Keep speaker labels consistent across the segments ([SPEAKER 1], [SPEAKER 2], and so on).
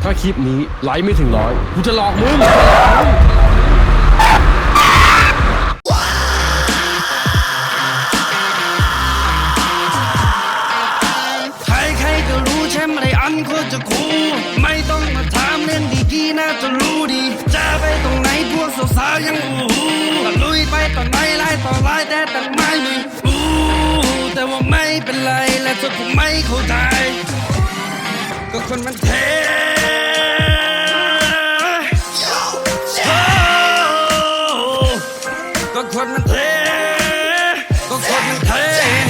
[SPEAKER 1] ถ้าคลิปนี้ไลค์ไม่ถึงร้อยกูจะหลอกมึง
[SPEAKER 2] ใครๆก็รู้ใช่ไหมอันโคตรจะคูลไม่ต้องมาถามเรื่องดีๆน่าจะรู้ดีจะไปตรงไหนพวกสาวๆยังก็ลุยไปต่อไหนไล่ต่อไล่แต่ตั้งไม่มีแต่ว่าไม่เป็นไรและเธอคงไม่เข้าใจก็คนมันเทก็คนมันเทก็คนมันเท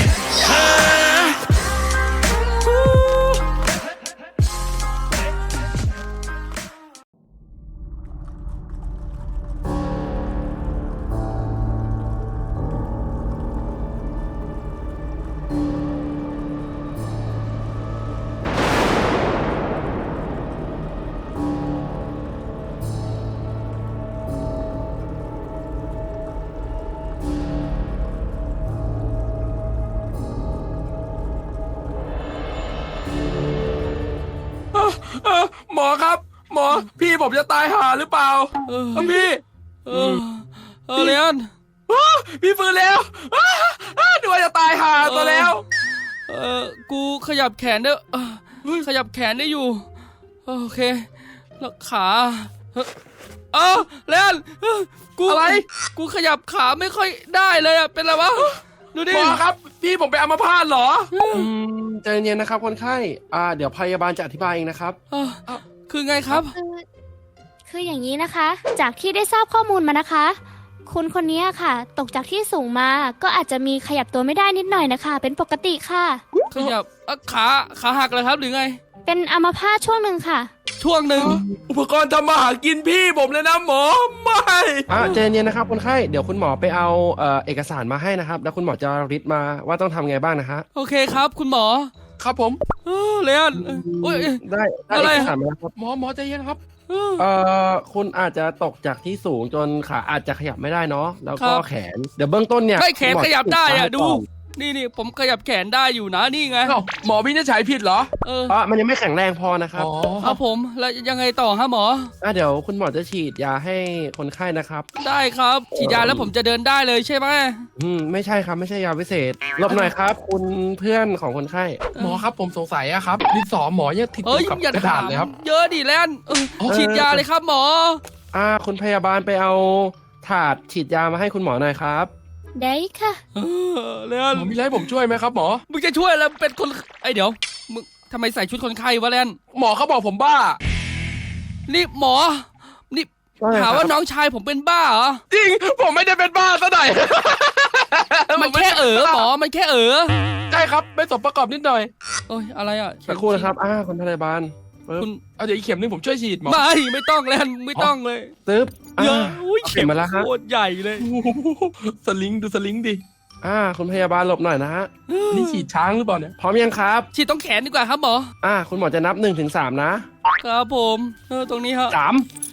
[SPEAKER 3] หมอครับหมอพี่ผมจะตายห่าหรือเปล่าพี่
[SPEAKER 4] เลียน
[SPEAKER 3] พี่ฟื้นแล้วดูว่าจะตายห่าตัวแล้ว
[SPEAKER 4] กูขยับแขนได้ขยับแขนได้อยู่โอเคแล้วขาเลียนกู
[SPEAKER 3] อะไร
[SPEAKER 4] กูขยับขาไม่ค่อยได้เลยอะเป็นไรวะดูดิ
[SPEAKER 3] หมอครับพี่ผมไปอัมพาตเหรอ
[SPEAKER 1] ใจเย็นนะครับคนไข้เดี๋ยวพยาบาลจะอธิบายเองนะครับ
[SPEAKER 4] คือไงครับ
[SPEAKER 5] คืออย่างนี้นะคะ จากที่ได้ทราบข้อมูลมานะคะ คุณคนนี้ค่ะ ตกจากที่สูงมาก็อาจจะมีขยับตัวไม่ได้นิดหน่อยนะคะ เป็นปกติค่ะ
[SPEAKER 4] ขยับขาหักเลยครับหรือไง
[SPEAKER 5] เป็นอัมพาตช่วงหนึ่งค่ะ
[SPEAKER 4] ช่วงหนึ่ง
[SPEAKER 3] อุปกรณ์ทำมาหากินพี่ผมเลยนะหมอไม่
[SPEAKER 1] ใจเย็นนะครับคนไข้เดี๋ยวคุณหมอไปเอาเอกสารมาให้นะครับแล้วคุณหมอจะริดมาว่าต้องทำไงบ้างนะคะ
[SPEAKER 4] โอเคครับคุณหมอ
[SPEAKER 3] ครับผม
[SPEAKER 4] เลียน
[SPEAKER 1] ได้เอกสารมาครับ
[SPEAKER 3] หมอใจเย็นครับ
[SPEAKER 1] คุณอาจจะตกจากที่สูงจนขาอาจจะขยับไม่ได้เนาะแล้วก็แขนเดี๋ยวเบื้องต้นเนี่ย
[SPEAKER 4] แขนขยับได้อะดูนี่ผมขยับแขนได้อยู่นะนี่ไง
[SPEAKER 3] หมอวินิจฉัยผิดเหรอ
[SPEAKER 1] มันยังไม่แข็งแรงพอนะครับ
[SPEAKER 4] ครับผมแล้วยังไงต่อฮะหมอ
[SPEAKER 1] เดี๋ยวคุณหมอจะฉีดยาให้คนไข้นะครับ
[SPEAKER 4] ได้ครับฉีดยาแล้วผมจะเดินได้เลยใช่ไหม
[SPEAKER 1] ไม่ใช่ครับไม่ใช่ยาพิเศษหลบหน่อยครับคุณเพื่อนของคนไข้
[SPEAKER 3] หมอครับผมสงสัยอะครับดินสอหมอยังติดกับกระดาษเลยครับ
[SPEAKER 4] เยอะดิแลนฉีดยาเลยครับหมอ
[SPEAKER 1] คุณพยาบาลไปเอาถาดฉีดยามาให้คุณหมอหน่อยครับ
[SPEAKER 5] ได้ค่ะ
[SPEAKER 4] เลียน
[SPEAKER 3] มีอะไรผมช่วยไหมครับหมอ
[SPEAKER 4] มึงจะช่วยแล้วเป็นคนเดี๋ยวมึงทำไมใส่ชุดคนไข้วะเลียน
[SPEAKER 3] หมอเขาบอกผมบ้า
[SPEAKER 4] นี่หมอนี่หาว่าน้องชายผมเป็นบ้าเหรอ
[SPEAKER 3] จริงผมไม่ได้เป็นบ้าซะหน่อย
[SPEAKER 4] มันแค่หมอมันแค่
[SPEAKER 3] ใช่ครับไม่สมประกอบนิดหน่อย
[SPEAKER 4] โอ้ยอะไรอ่ะ
[SPEAKER 1] สักครู่นะครับคุณพยาบาล
[SPEAKER 3] คุณเอาเดี๋ยวอีกเข็มนึงผมช่วยฉีดหมอ
[SPEAKER 4] ไม่ต้องแล้วไม่ต้องเลย
[SPEAKER 1] ตึ๊บ
[SPEAKER 4] เยอะเข็มมาแล้วฮะโคตรใหญ่เลย
[SPEAKER 3] สลิงดูสลิงดิ
[SPEAKER 1] คุณพยาบาลหลบหน่อยนะฮะ
[SPEAKER 3] นี่ฉีดช้างหรือเปล่าเนี่ย
[SPEAKER 1] พร้อมยังครับ
[SPEAKER 4] ฉีดต้องแขนดีกว่าครับหมอ
[SPEAKER 1] คุณหมอจะนับ1-3
[SPEAKER 4] นะครับผมตรงนี้ฮะ
[SPEAKER 1] 3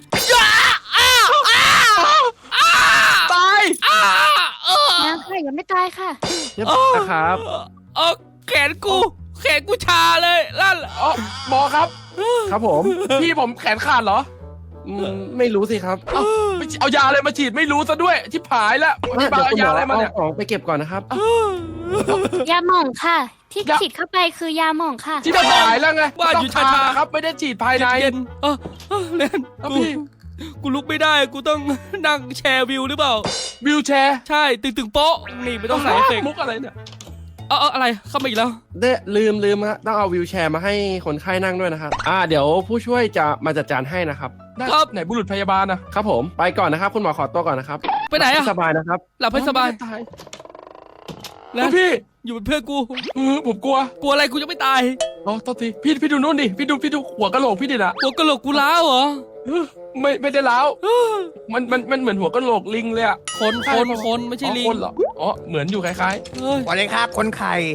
[SPEAKER 3] ตาย
[SPEAKER 5] ยังค่ะยังไม่ตายค่ะ
[SPEAKER 1] เรียบร้อยครับ
[SPEAKER 4] แขนกูชาเลยลั่น
[SPEAKER 3] หมอครับ
[SPEAKER 1] ครับผม
[SPEAKER 3] พี่ผมแขนขาดเหรอ
[SPEAKER 1] ไม่รู้สิครับ
[SPEAKER 3] เอายาอะไรมาฉีดไม่รู้ซะด้วยชิบหายแล้ว
[SPEAKER 1] เดี๋ยวคุณหมอเอาของไปเก็บก่อนนะครับ
[SPEAKER 5] ยาหม่องค่ะที่ฉีดเข้าไปคือยาหม่องค่ะ
[SPEAKER 3] ที่จะหายแล้วไง
[SPEAKER 4] ว่าอยู่ชา
[SPEAKER 3] ครับไม่ได้ฉีดภายใน
[SPEAKER 4] เล่นกูลุกไม่ได้กูต้องนั่งแชร์วิวหรือเปล่า
[SPEAKER 3] วิวแชร์
[SPEAKER 4] ใช่ตึงโป๊ะนี่ไม่ต้องใส่เอฟเฟกต์
[SPEAKER 3] มุกอะไรเนี่ย
[SPEAKER 4] อะไรเข้ามาอีกแล้ว
[SPEAKER 1] ลืมฮะต้องเอาวิวแชร์มาให้คนไข้นั่งด้วยนะครับเดี๋ยวผู้ช่วยจะมาจัดการให้นะครับ
[SPEAKER 3] ครับไหนบุรุษพยาบาล
[SPEAKER 1] นะครับผมไปก่อนนะครับคุณหมอขอตัวก่อนนะครับ
[SPEAKER 4] ไปไหน
[SPEAKER 1] สบายนะครับ
[SPEAKER 4] หลับให้สบาย
[SPEAKER 3] แล้วพี่
[SPEAKER 4] อยู่เป็นเพื่อนกู
[SPEAKER 3] ผมกลัว
[SPEAKER 4] อะไรกูจะไม่ตาย
[SPEAKER 3] โทษทีพี่ดูนู่นดิพี่ดูหัวกะโหลกพี่ดินะ
[SPEAKER 4] หัวกะโหลกกูล้าวเหรอ
[SPEAKER 3] ไม่ได้ล้าวมันเหมือนหัวกะโหลกลิงเลย
[SPEAKER 4] คนไม่ใช่ลิง
[SPEAKER 3] เหรอเหมือนอยู่คล้าย
[SPEAKER 6] ๆวันนี้ครับคนไข่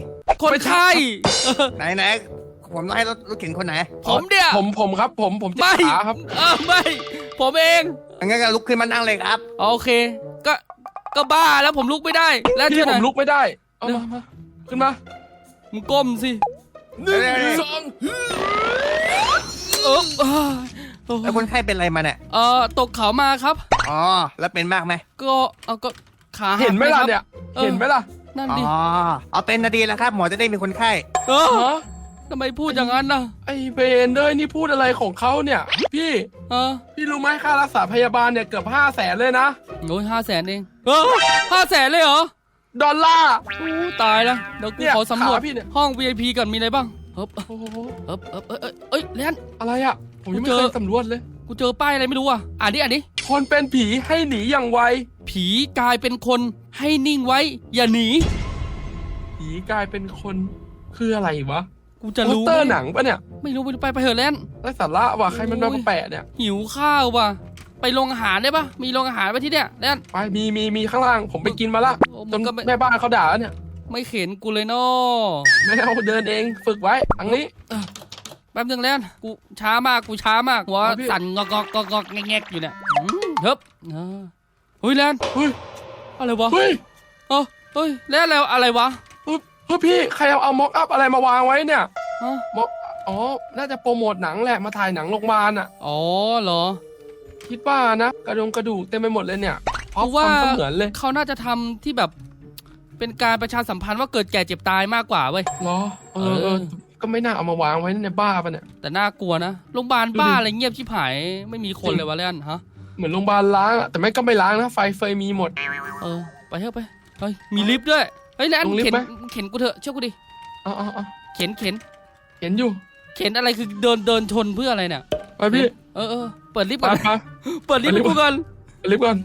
[SPEAKER 6] ไหนผมต้องให้รถเข็นคนไหน
[SPEAKER 4] ผมเดี๋ยว
[SPEAKER 3] ผมครับผมจะขาครับ
[SPEAKER 4] ไม่ผมเอง
[SPEAKER 6] งั้นก็ลุกขึ้นมานั่งเลยครับ
[SPEAKER 4] โอเคก็บ้าแล้วผมลุกไม่ได้แล้ว
[SPEAKER 3] ที่ผมลุกไม่ได้เอามาขึ้นมา
[SPEAKER 4] มึงก้มสิ
[SPEAKER 3] 1 2
[SPEAKER 6] แล้วคนไข้เป็นอะไรมาเนี่ย
[SPEAKER 4] ตกเขามาครับ
[SPEAKER 6] อ๋อ แล้วเป็นมากไหม
[SPEAKER 4] ก็ขาหัก
[SPEAKER 3] เห็นไหมล่ะ
[SPEAKER 4] ครับ
[SPEAKER 3] เนี่ย
[SPEAKER 4] เออ
[SPEAKER 3] เห็นไหมล่ะ
[SPEAKER 4] นั่น
[SPEAKER 6] อ๋อ
[SPEAKER 4] ดิ
[SPEAKER 6] เอาเป็นนาดีแล้วครับ หมอจะได้มีคนไข้
[SPEAKER 4] เออ
[SPEAKER 3] ฮะ
[SPEAKER 4] ทำไมพูดอย่างนั้นนะ
[SPEAKER 3] ไอ้เบนเลยนี่พูดอะไรของเขาเนี่ย พี่ พี่รู้ไหมค่ารักษาพยาบาลเนี่ยเกือบ500,000เลยนะ
[SPEAKER 4] โอ้ย500,000เอง500,000เลยเหรอ
[SPEAKER 3] ดอลลาร์
[SPEAKER 4] ตายแล้วเดี๋ยวกู
[SPEAKER 3] เนี่ย
[SPEAKER 4] ขอสำรวจ
[SPEAKER 3] ขาพี่เนี่ย
[SPEAKER 4] ห้อง VIP ก่อนมีอะไรบ้างเฮ้บ
[SPEAKER 3] โอ้โห
[SPEAKER 4] เอ้ยแลน
[SPEAKER 3] อะไรอ่ะ ผมยังไม่
[SPEAKER 4] กูเจ
[SPEAKER 3] เค
[SPEAKER 4] อ
[SPEAKER 3] ยสำรวจเลย
[SPEAKER 4] กูเจอป้ายอะไรไม่รู้อ่ะอ่านดิ
[SPEAKER 3] คนเป็นผีให้หนีอย่างไว
[SPEAKER 4] ผีกลายเป็นคนให้นิ่งไว้ อย่าหนี
[SPEAKER 3] ผีกลายเป็นคนคืออะไรวะ
[SPEAKER 4] กูจะ
[SPEAKER 3] โปส
[SPEAKER 4] รู้
[SPEAKER 3] เตอร์
[SPEAKER 4] ไหม
[SPEAKER 3] หนังปะเนี่ย
[SPEAKER 4] ไม่รู้ไปเถอะแลน
[SPEAKER 3] ไร้สาระว่ะใครมันมาแปะเนี่ย
[SPEAKER 4] หิวข้าวว่ะไปโรงอาหารได้ปะมีโรงอาหารไปที่เนี่ยแลน
[SPEAKER 3] ไปมีข้างล่างผมไปกินมาละ
[SPEAKER 4] โอ้
[SPEAKER 3] จ
[SPEAKER 4] มัน นก็ไม่
[SPEAKER 3] แม่บ้านเขาด่าแล้วเนี่ย
[SPEAKER 4] ไม่เข็นกูเลยเนาะ
[SPEAKER 3] ไม่เอาเดินเองฝึกไว้อันนี้
[SPEAKER 4] แป๊บนึงแลนกูช้ามากหัว
[SPEAKER 3] เอาพี่
[SPEAKER 4] สั่นงอกแงกอยู่เนี่ยเฮ้บเฮ้ยแลน
[SPEAKER 3] เฮ้ย
[SPEAKER 4] อะไรวะ
[SPEAKER 3] เฮ้ย
[SPEAKER 4] เฮ้ยแล้วอะไรวะ
[SPEAKER 3] เฮ้ยพี่ใครเอาม็อกอัพอะไรมาวางไว้เนี่ย
[SPEAKER 4] ฮะ
[SPEAKER 3] ม็อกอ๋อน่าจะโปรโมทหนังแหละมาถ่ายหนังโรงพยาบาลอ่ะ
[SPEAKER 4] อ๋อเหรอ
[SPEAKER 3] คิดว่านะกระดูกเต็มไปหมดเลยเนี่ยพอ
[SPEAKER 4] กูว่า
[SPEAKER 3] ทำเสมือนเลย
[SPEAKER 4] เขาน่าจะทำที่แบบเป็นการประชาสัมพันธ์ว่าเกิดแก่เจ็บตายมากกว่าเว้ย
[SPEAKER 3] เหรอเอ
[SPEAKER 4] เออ
[SPEAKER 3] ก็ไม่น่าเอามาวางไว้ในบ้าปะเนี่ย
[SPEAKER 4] แต่น่ากลัวนะโรงพยาบาล
[SPEAKER 3] ดูดิ
[SPEAKER 4] บ้าอะไรเงียบชิบหายไม่มีคนเลยวะเล่นฮะ
[SPEAKER 3] เหมือนโรงพยาบาลล้างอะแต่ไม่ก็ไม่ล้างนะไฟเฟยมีหมด
[SPEAKER 4] ไปเถอะไปเฮ้ยมีลิฟต์ด้วยเฮ้ยแลน
[SPEAKER 3] ลงลิฟต์
[SPEAKER 4] เข็น
[SPEAKER 3] ไหม
[SPEAKER 4] เข็นกูเถอะเชื่อกูดิ
[SPEAKER 3] เอา
[SPEAKER 4] เข็น
[SPEAKER 3] เห็นอยู่
[SPEAKER 4] เข็นอะไรคือเดินชนเพื่ออะไรเนี่ย
[SPEAKER 3] ไปพี่
[SPEAKER 4] เปิดลิฟต์
[SPEAKER 3] ไป
[SPEAKER 4] ก่อน
[SPEAKER 3] ไป
[SPEAKER 4] เปิดลิฟต์ให้กูก่อน
[SPEAKER 3] ไปลิฟต์ก่อน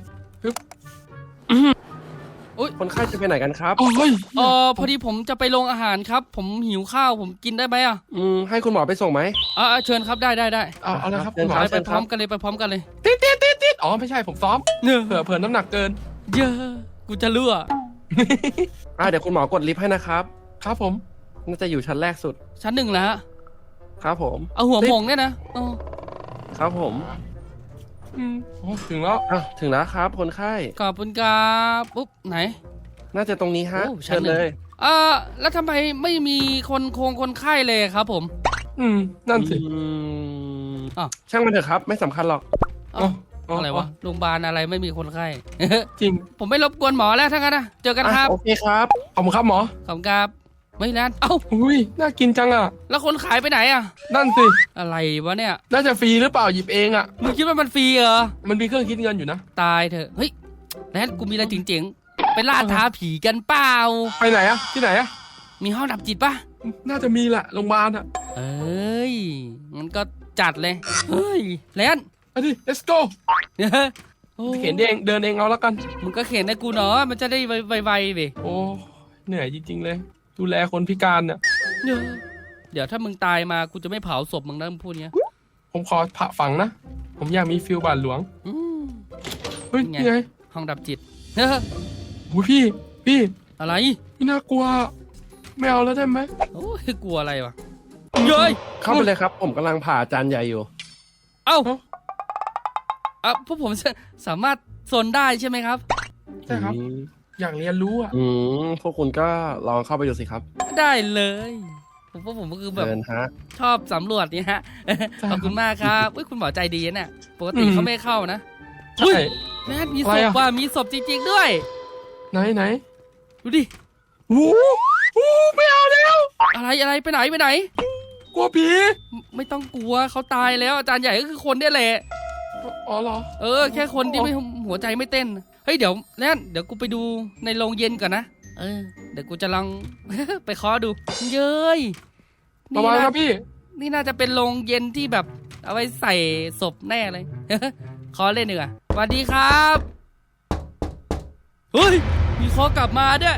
[SPEAKER 1] คนไข้จะไปไหนกันครับ
[SPEAKER 3] โอ้ย
[SPEAKER 4] พอดีผมจะไปโรงอาหารครับ ผมหิวข้าวผมกินได้ไหมอ่ะ
[SPEAKER 1] ให้คุณหมอไปส่งไหม
[SPEAKER 4] เชิญครับได้
[SPEAKER 3] เอาเลยครับ
[SPEAKER 1] เดิน
[SPEAKER 3] คุณหมอ
[SPEAKER 1] ทาง
[SPEAKER 4] ไปพร้อมกันเลย
[SPEAKER 3] ติดอ๋อไม่ใช่ผมซ้อม
[SPEAKER 4] เนอะ
[SPEAKER 3] เผื่อน้ำหนักเกิน
[SPEAKER 4] เยอะกูจะเลือ
[SPEAKER 1] เดี๋ยวคุณหมอกดลิฟต์ให้นะครับ
[SPEAKER 3] ครับผม
[SPEAKER 1] น่าจะอยู่ชั้นแรกสุด
[SPEAKER 4] ชั้น 1แล้วฮะ
[SPEAKER 1] ครับผม
[SPEAKER 4] เอาหัวหมงเนี่ยนะอ๋อ
[SPEAKER 1] ครับผม
[SPEAKER 3] โอ้ถึงแล้ว
[SPEAKER 1] ถึงแล้วครับ คนไข้
[SPEAKER 4] ขอบคุณครับปุ๊บไหน
[SPEAKER 1] น่าจะตรงนี้ฮะ
[SPEAKER 4] โอ้ชั้
[SPEAKER 1] เชิ
[SPEAKER 4] น
[SPEAKER 1] ญ
[SPEAKER 4] หนึ่ง
[SPEAKER 1] เลย
[SPEAKER 4] แล้วทำไมไม่มีคนไข้เลยครับผม
[SPEAKER 3] นั่นสิ
[SPEAKER 4] อ้าว
[SPEAKER 1] ช่างมันเถอะครับ ไม่สำคัญหรอก
[SPEAKER 4] อะไรวะโรงพยาบาลอะไรไม่มีคนไข้
[SPEAKER 3] จริง
[SPEAKER 4] ผมไม่รบกวนหมอแล้วทั้งนั้นนะเจอกันครับ
[SPEAKER 1] โอเคครับ
[SPEAKER 3] ขอบคุณครับหมอ
[SPEAKER 4] ขอบคุณครับไม่แลนเอ้า
[SPEAKER 3] อุ้ยน่ากินจังอ่ะ
[SPEAKER 4] แล้วคนขายไปไหนอ่ะ
[SPEAKER 3] นั่นสิ
[SPEAKER 4] อะไรวะเนี่ย
[SPEAKER 3] น่าจะฟรีหรือเปล่าหยิบเองอ่ะ
[SPEAKER 4] มึงคิดว่ามันฟรีเหรอ
[SPEAKER 3] มันมีเครื่องคิดเงินอยู่นะ
[SPEAKER 4] ตายเถอะเฮ้ยแลนกูมีอะไรเจ๋งๆไปล่าท้าผีกันเปล่า
[SPEAKER 3] ไปไหนอะที่ไหนอะ
[SPEAKER 4] มีห้องดับจิตปะ
[SPEAKER 3] น่าจะมีแหละโรงพยาบาลอะ
[SPEAKER 4] เอ้ยงั้นก็จัดเลยเฮ้ยแลน
[SPEAKER 3] ไปดิ let's go
[SPEAKER 4] โอ้
[SPEAKER 3] เข็นเองเดินเองเอาแล้วกัน
[SPEAKER 4] มึงก็เข็นให้กูเนาะมันจะได้ไวๆดิ
[SPEAKER 3] โอ้เหนื่อยจริงๆเลย ดูแลคนพิการเนี่ย
[SPEAKER 4] เดี๋ยวถ้ามึงตายมากูจะไม่เผาศพมึงนะมึงพูดเงี้ย
[SPEAKER 3] ผมขอผ่าฝังนะ ผมอยากมีฟิลบาทหลวง
[SPEAKER 4] อืม
[SPEAKER 3] เฮ้ย
[SPEAKER 4] ไง
[SPEAKER 3] นี่ไง
[SPEAKER 4] ห้องดับจิต
[SPEAKER 3] โอ้ยพี่
[SPEAKER 4] อะไร
[SPEAKER 3] ไม่น่ากลัว ไม่เอาแล้วได้ไหม
[SPEAKER 4] โอ้ยกลัวอะไรวะเย้ย
[SPEAKER 1] เข้าไปเลยครับ ผมกำลังผ่าอาจารย์ใหญ่อยู่
[SPEAKER 4] เอ้าพวกผมสามารถโซนได้ใช่ไหมครับ
[SPEAKER 3] ใช่ครับ อยากเรียนรู้อะ
[SPEAKER 1] พวกคุณก็ลองเข้าไปดูสิครับ
[SPEAKER 4] ได้เลยพวกผมก็คือแบบ
[SPEAKER 1] เชิญฮะ
[SPEAKER 4] ชอบสำรวจนี่ฮะขอบคุณมากครับอุ้ยคุณหมอใจดีนะปกติเขาไม่เข้านะ
[SPEAKER 3] ใช่
[SPEAKER 4] แม่มี
[SPEAKER 3] อะ
[SPEAKER 4] ศ
[SPEAKER 3] ไร
[SPEAKER 4] พ
[SPEAKER 3] อะ
[SPEAKER 4] ว่ะมีศพจริงๆด้วย
[SPEAKER 3] ไหน
[SPEAKER 4] ดูดิ
[SPEAKER 3] โอ้โหไม่เอาแล้ว
[SPEAKER 4] อะไรไปไหน
[SPEAKER 3] กลัวผี
[SPEAKER 4] ไม่ต้องกลัวเขาตายแล้วอาจารย์ใหญ่ก็คือคนเนี่ยแหละ
[SPEAKER 3] อ๋อเหรอ
[SPEAKER 4] แค่คนที่ไม่หัวใจไม่เต้นเฮ้ยเดี๋ยวกูไปดูในโรงเย็นก่อนนะเดี๋ยวกูจะลอง ไปเคาะดูเย้ย
[SPEAKER 3] ประมาณครับพี่
[SPEAKER 4] นี่น่าจะเป็นโรงเย็นที่แบบเอาไว้ใส่ศพแน่เลย ขอเล่นหนึ่งอ่ะสวัสดีครับเฮ้ยมีเคอกลับมาด้วย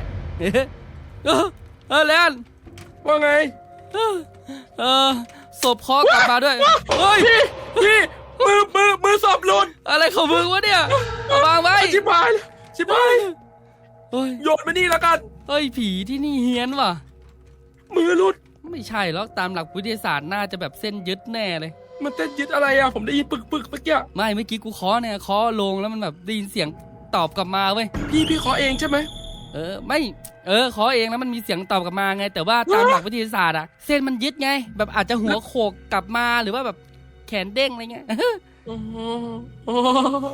[SPEAKER 4] แลน
[SPEAKER 3] ว่าไง
[SPEAKER 4] ศพเคอกลับมาด้วยเฮ้ย
[SPEAKER 3] พี่มือสอบหลุด
[SPEAKER 4] อะไรของมึงวะเนี่ยเอาวางไว้
[SPEAKER 3] ชิบหาย
[SPEAKER 4] เฮ้ย
[SPEAKER 3] โยนมานี่แล้วกัน
[SPEAKER 4] เฮ้ยผีที่นี่เฮี้ยนว่ะ
[SPEAKER 3] มือหลุด
[SPEAKER 4] ไม่ใช่หรอกตามหลักวิทยาศาสตร์น่าจะแบบเส้นยึดแน่เลย
[SPEAKER 3] มันเต้นยึดอะไรอะผมได้ยินปึกเมื่อกี้
[SPEAKER 4] ไม่เมื่อกี้กูเคาะเนี่ยเคาะลงแล้วมันแบบได้ยินเสียงตอบกลับมาเว้ย
[SPEAKER 3] พี่ขอเองใช่ไหม
[SPEAKER 4] ไม่เคาะเองแล้วมันมีเสียงตอบกลับมาไง แต่ว่าตามหลักวิทยาศาสตร์อะเส้นมันยึดไง แบบอาจจะหัวโขกกลับมาหรือว่าแบบแขนเด้งอะไรเงี้ย
[SPEAKER 3] อ๋ออ๋อ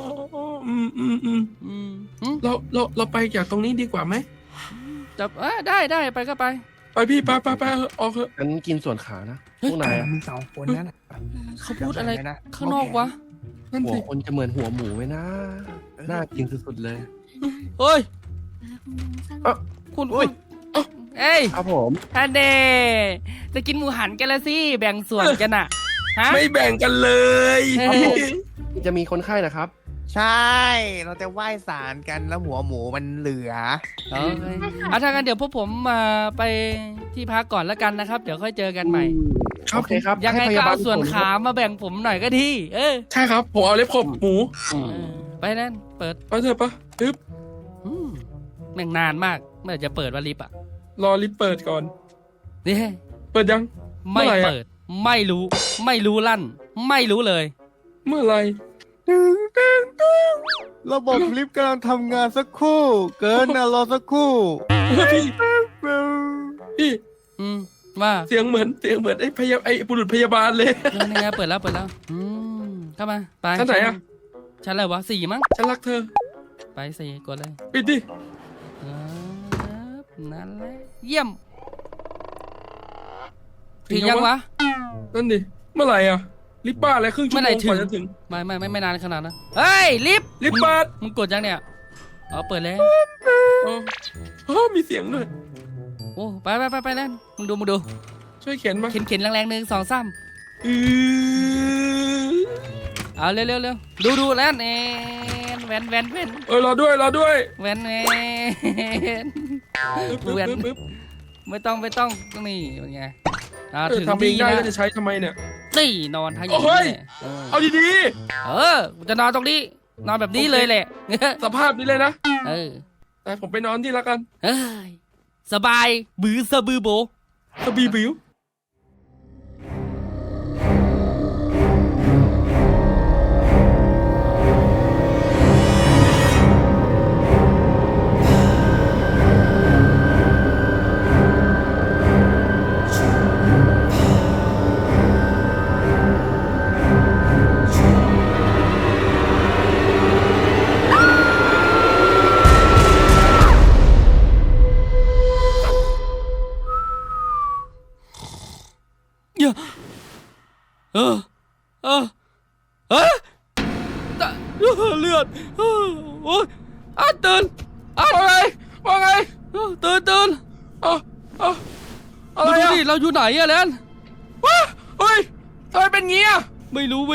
[SPEAKER 3] เราไปจากตรงนี้ดีกว่าไหม
[SPEAKER 4] จับได้ไปก็ไป
[SPEAKER 3] ไปพี่ไปออกเถอะ
[SPEAKER 1] งั้นกินส่วนขานะพวกนายอะ
[SPEAKER 6] มี2 คนนั่นน่ะ
[SPEAKER 4] เขาพูดอะไร
[SPEAKER 6] จำด้นะ
[SPEAKER 4] ข้างนอกวะ
[SPEAKER 3] นั่น
[SPEAKER 1] หัว
[SPEAKER 3] สิ
[SPEAKER 1] คนจะเหมือนหัวหมูไหมนะ น่ากินสุดๆเลย
[SPEAKER 4] เฮ้ย
[SPEAKER 1] เอ้า
[SPEAKER 4] คุณ
[SPEAKER 1] อุ้ย
[SPEAKER 4] เอ้ย
[SPEAKER 1] ครับผม
[SPEAKER 4] ฮันเดจะกินหมูหันกันละสิแบ่งส่วนกันอะฮะ
[SPEAKER 3] ไม่แบ่งกันเลย
[SPEAKER 4] ครับผม
[SPEAKER 1] จะมีคนไข้นะครับ
[SPEAKER 6] ใช่ เราจะไหว้ศาลกันแล้วหัวหมูมันเหลือ
[SPEAKER 4] โอเคถ้างั้นเดี๋ยวพวกผมมาไปที่พักก่อนแล้วกันนะครับ เดี๋ยวค่อยเจอกันใหม่
[SPEAKER 1] โอเคครับ
[SPEAKER 4] ยังไง
[SPEAKER 1] ให้พ
[SPEAKER 4] ก็
[SPEAKER 1] บล
[SPEAKER 4] เอาส่วน
[SPEAKER 1] ผล
[SPEAKER 4] ขามาแบ่งผมหน่อยก็ดีเออ
[SPEAKER 3] ใช่ครับ ผมเอาเล็บขบหมู
[SPEAKER 1] อืม
[SPEAKER 4] ไปนั่นเปิด
[SPEAKER 3] ไปเถอะปะอึ๊บ
[SPEAKER 4] แม่งนานมากเมื่อจะเปิดว่าลิฟต์อ่ะ
[SPEAKER 3] รอลิฟต์เปิดก่อน
[SPEAKER 4] นี่
[SPEAKER 3] เปิดยัง
[SPEAKER 4] ไม่
[SPEAKER 3] เมื่อไหร่อะ
[SPEAKER 4] เปิด ไม่รู้ลั่น ไม่รู้เลย
[SPEAKER 3] เมื่อไหร
[SPEAKER 6] ระบบลิฟต์กำลังทำงานสักครู่ เกินนะรอสักครู่
[SPEAKER 3] พี่
[SPEAKER 4] ว่า
[SPEAKER 3] เสียงเหมือนไอ้บุรุษพยาบาลเลย
[SPEAKER 4] นี่ไงเปิดแล้วเข้ามาไป
[SPEAKER 3] ชั้นไหนอะ
[SPEAKER 4] ชั้นอะไรวะ4มั้ง
[SPEAKER 3] ฉันรักเธอ
[SPEAKER 4] ไป4กดเลย
[SPEAKER 3] ปิดดิ
[SPEAKER 4] นั่นแหละเยี่ยมถึงยังวะ
[SPEAKER 3] นั่นดิ เมื่อไหร่อะลิฟต์บ้าอะไรครึ่งชั่วโมงกว่าจะถึง
[SPEAKER 4] ไม่นานขนาดนั้นเฮ้ยลิฟต์
[SPEAKER 3] ลิฟต์เปิด
[SPEAKER 4] มึงกดยังเนี่ยอ๋อเปิดแล้ว
[SPEAKER 3] อ๋อมีเสียงด้วย
[SPEAKER 4] โอ้ไปแล้วมึงดู
[SPEAKER 3] ช่วยเขียนมา
[SPEAKER 4] เข็นแรงๆ1 2 3 เอาเร็วดูแล้วแวน
[SPEAKER 3] รอด้วย
[SPEAKER 4] แวน
[SPEAKER 3] ปึ๊บ
[SPEAKER 4] แวน
[SPEAKER 3] ปึ๊บ
[SPEAKER 4] ไม่ต้องนี่เป็นไงถึง
[SPEAKER 3] ทำเองได้
[SPEAKER 4] ที่
[SPEAKER 3] แล้ว
[SPEAKER 4] นะ
[SPEAKER 3] จะใช้ทำไมเนี่ย
[SPEAKER 4] นี่นอนทั้ง
[SPEAKER 3] โอ้ย เอาดี
[SPEAKER 4] กูจะนอนตรงนี้ นอนแบบนี้เลยแหละ
[SPEAKER 3] ๆ สภาพนี้เลยนะ แต่ผมไปนอนที่ละกัน
[SPEAKER 4] เอ้ยสบายบือโบ
[SPEAKER 3] สบีบิว
[SPEAKER 4] เลือดโอ้ยตื่น
[SPEAKER 3] ว่าไง
[SPEAKER 4] ตื่น
[SPEAKER 3] อะไร
[SPEAKER 4] ดู
[SPEAKER 3] อะ
[SPEAKER 4] ดิเราอยู่ไหนอะแลน
[SPEAKER 3] เฮ้ยทำไมเป็นงี้อะ
[SPEAKER 4] ไม่รู้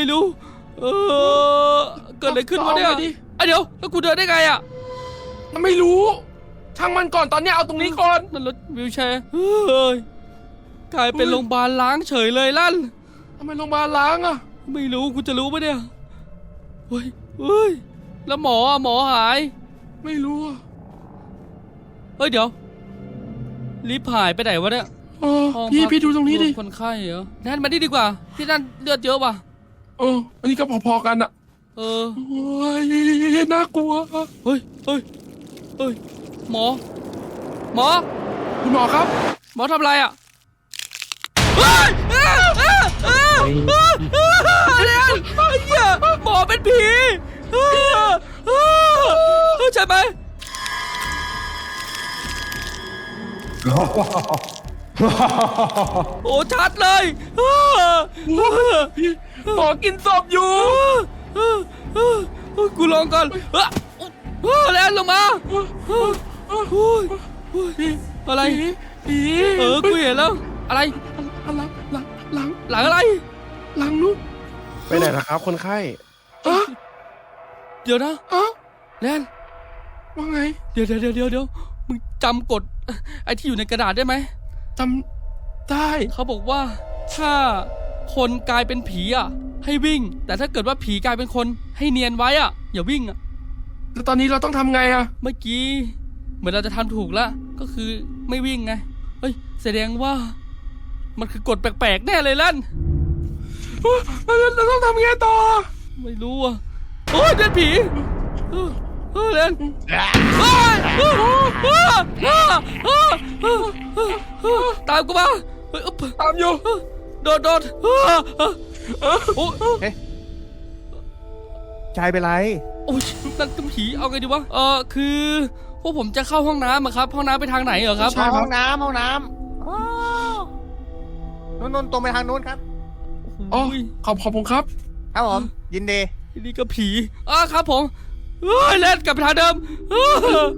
[SPEAKER 4] เกิดอะไรขึ้นวะเนี่ย
[SPEAKER 3] เอาไงดี
[SPEAKER 4] เดี๋ยวแล้วกูเดินได้ไงอะ
[SPEAKER 3] ไม่รู้ ช่างมันก่อนตอนเนี้ยเอาตรงนี้ก่อน
[SPEAKER 4] นั่นรถวิวแชร์เฮ้ยกลายเป็นโรงพยาบาลล้างเฉยเลยลั่น
[SPEAKER 3] ทำไมโรงพยาบาลล้างอะ
[SPEAKER 4] ไม่รู้กูจะรู้ปะเนี่ยเฮ้ยแล้วหมอหาย
[SPEAKER 3] ไม่รู้อะ
[SPEAKER 4] เดี๋ยวรีบหายไปไหนวะเนี่ย
[SPEAKER 3] อ๋อ
[SPEAKER 4] ห้อง
[SPEAKER 3] พี่
[SPEAKER 4] พัก
[SPEAKER 3] พี่ดูตรงนี้ดิ
[SPEAKER 4] คนไข้เหรอนั่นมาดีกว่าที่นั่นเลือดเยอะว่ะ
[SPEAKER 3] อันนี้ก็พอๆกันอะโอ้ยน่ากลัว
[SPEAKER 4] เฮ้ยหมอ
[SPEAKER 3] คุณหมอครับ
[SPEAKER 4] หมอทำอะไรอ่ะหมอเป็นผีใช่ไหมโอ้ชัดเลย
[SPEAKER 3] หมอกินศพอยู่
[SPEAKER 4] กูลองก่อนแล้วลงมาอะไร
[SPEAKER 3] ผี
[SPEAKER 4] กูเห็นแล้วอะไร
[SPEAKER 3] หลัง
[SPEAKER 4] หลังอะไร
[SPEAKER 3] หลังนู้น
[SPEAKER 1] ไปไหนล่ะครับคนไข้
[SPEAKER 4] เดี๋ยวนะแลน
[SPEAKER 3] ว่าไง
[SPEAKER 4] เดี๋ยวมึงจำกฎไอ้ที่อยู่ในกระดาษได้ไหม
[SPEAKER 3] จำได้
[SPEAKER 4] เขาบอกว่าถ้าคนกลายเป็นผีอ่ะให้วิ่ง แต่ถ้าเกิดว่าผีกลายเป็นคนให้เนียนไว้อ่ะอย่าวิ่งอ่ะ
[SPEAKER 3] แล้วตอนนี้เราต้องทำไงอะ
[SPEAKER 4] เมื่อกี้เหมือนเราจะทำถูกแล้วก็คือไม่วิ่งไงเฮ้ยแสดงว่ามันคือกฎแปลกๆแน่เลยลั่น
[SPEAKER 3] เราต้องทำไงต่อ
[SPEAKER 4] ไม่รู้อ่ะโอ้ยเดินผีเล่นตามกูมา
[SPEAKER 3] ตามอยู่
[SPEAKER 4] โดดโอ้
[SPEAKER 6] ชายเป็นไร
[SPEAKER 4] โอ้ยนั่นก็ผีเอาไงดีวะคือพวกผมจะเข้าห้องน้ำอะครับห้องน้ำไปทางไหนเหรอครับ
[SPEAKER 6] ห้องน้ำนู่นตรงไปทางนู้นครับ
[SPEAKER 3] อ๋อขอบคุณครับ
[SPEAKER 6] ครับผม ยินดี
[SPEAKER 4] นี่ก็ผีครับผมเฮ้ยเล่นกลับไปทางเดิมเฮ้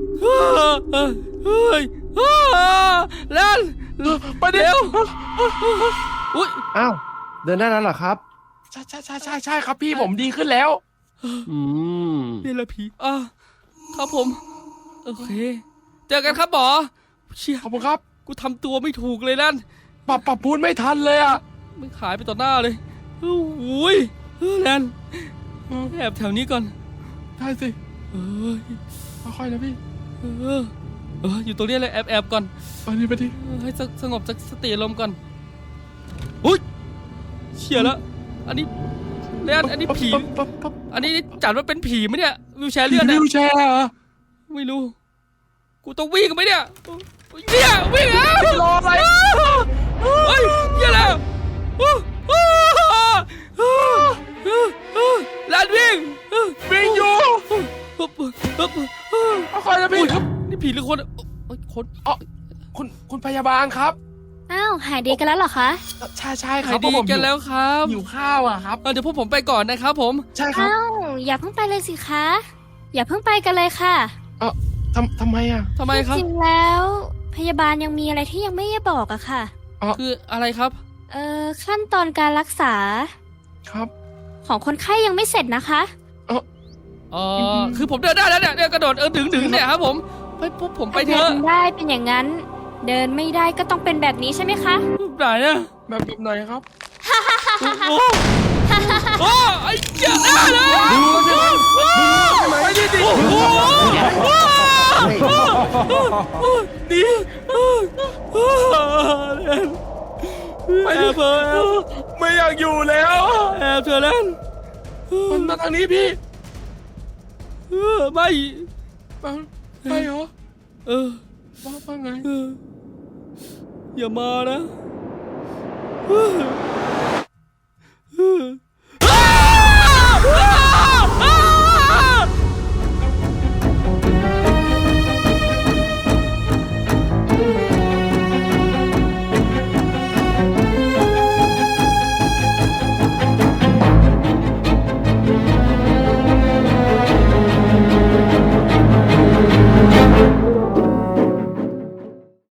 [SPEAKER 4] ยเล่น
[SPEAKER 3] ไปเดี๋ยว
[SPEAKER 4] อุ้ย
[SPEAKER 1] อ้าวเดินได้แล้วเหรอครับ
[SPEAKER 3] ใช่ครับพี่ผมดีขึ้นแล้ว
[SPEAKER 1] อืม
[SPEAKER 4] นี่แหละผีครับผมโอเคเจอกันครับหมอเชี่ย
[SPEAKER 3] ขอบคุณครับ
[SPEAKER 4] กูทำตัวไม่ถูกเลยนั่น
[SPEAKER 3] ปรับพูดไม่ทันเลยอ่ะ
[SPEAKER 4] มันหายไปต่อหน้าเลยโอ้ยแลนแอบแถวนี้ก่อน
[SPEAKER 3] ได้สิ
[SPEAKER 4] เอ้ย
[SPEAKER 3] ค่อยๆนะพี่
[SPEAKER 4] อยู่ตรงนี้เลยแอบก่อน
[SPEAKER 3] ไปดิ
[SPEAKER 4] ให้สงบสติอารมณ์ก่อนอุ้ยเชี่ยแล้วอันนี้แลนอันนี้ผีอันนี้จัดว่าเป็นผีไหมเนี่ยวิวแชร์เลื่อน
[SPEAKER 3] วิ
[SPEAKER 4] นะ
[SPEAKER 3] วแชร์เหรอ
[SPEAKER 4] ไม่รู้กูต้องวิ่งไหมเนี่ยเนี่ยวิ่งแล้ว
[SPEAKER 3] รออะไร
[SPEAKER 4] เฮ้ยเหี้ยแล้วลานวิ่ง
[SPEAKER 3] วิ่งอยู่ค่อยๆนะพี่
[SPEAKER 4] นี่ผีหรือคนคน
[SPEAKER 3] อ๋อคุณพยาบาลครับ
[SPEAKER 5] อ้าวหายดีกันแล้วเหรอคะ
[SPEAKER 3] ใช่ค
[SPEAKER 4] หา
[SPEAKER 3] รั
[SPEAKER 4] ย
[SPEAKER 3] บ
[SPEAKER 4] ดี
[SPEAKER 3] ผม
[SPEAKER 4] กันแล้วครับ
[SPEAKER 3] หิวข้าวอ่ะครับ
[SPEAKER 4] เดี๋ยวพวกผมไปก่อนนะครับผม
[SPEAKER 3] ใช่ครับ
[SPEAKER 5] อ้าวอย่าเพิ่งไปเลยสิคะ อย่าเพิ่งไปกันเลยค่ะ
[SPEAKER 3] ทำไมอ่ะ
[SPEAKER 4] ทำไมครับ
[SPEAKER 5] จริงๆแล้ว พยาบาลยังมีอะไรที่ยังไม่ได้บอกอะค่ะ
[SPEAKER 4] คืออะไรครับ
[SPEAKER 5] ขั้นตอนการรักษา
[SPEAKER 3] ครับ
[SPEAKER 5] ของคนไข้ยังไม่เสร็จนะคะ
[SPEAKER 4] คือผมเดินได้แล้วเนี่ยกระโดดดึงเนี่ยครับผมไปปุ๊บผมไปเถ
[SPEAKER 5] เดิ
[SPEAKER 4] อะ
[SPEAKER 5] นได้เป็นอย่างนั้น เดินไม่ได้ก็ต้องเป็นแบบนี้ใช่ไหมคะ
[SPEAKER 4] ไหนเนี่ย
[SPEAKER 3] แบบไหนครับ
[SPEAKER 4] โอ้ไอ้เจ้าได้เลย
[SPEAKER 3] ไปดิ
[SPEAKER 4] ไปเถอะ
[SPEAKER 3] ไม่อยากอยู่แล้ว
[SPEAKER 4] แอบเถอะเล่น
[SPEAKER 3] มันมาทางนี้พี่
[SPEAKER 4] ไม่
[SPEAKER 3] ไปเหรอว่าไง
[SPEAKER 4] อย่ามานะ